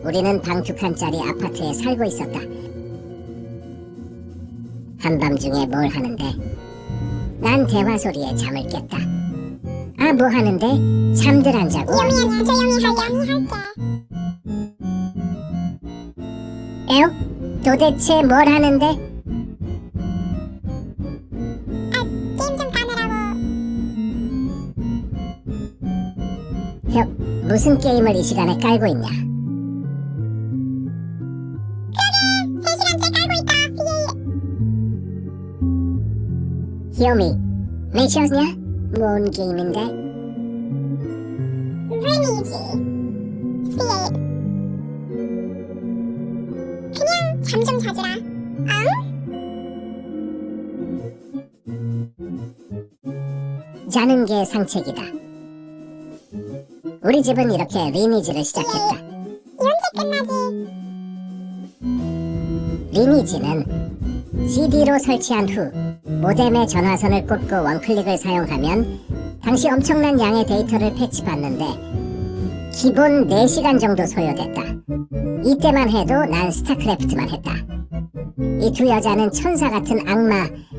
우리는 방 2칸짜리 아파트에 살고 있었다. 한밤중에 뭘 하는데? 난 대화 소리에 잠을 깼다. 아, 뭐 하는데? 잠들 안 자고? 요미야, 조용히 할게. 에옥? 도대체 뭘 하는데? 게임 좀 가느라고. 혁, 무슨 게임을 이 시간에 깔고 있냐? 3시간째 깔고 있다. 히오미, 미쳤냐? 뭔 게임인데? 리니지. 그냥 잠 좀 자주라. 자는 게 상책이다. 우리 집은 이렇게 리니지를 시작했다. 언제 끝나지? 리니지는 CD로 설치한 후 모뎀에 전화선을 꽂고 원클릭을 사용하면 당시 엄청난 양의 데이터를 패치받는데 기본 4시간 정도 소요됐다. 이때만 해도 난 스타크래프트만 했다. 이 두 여자는 천사 같은 악마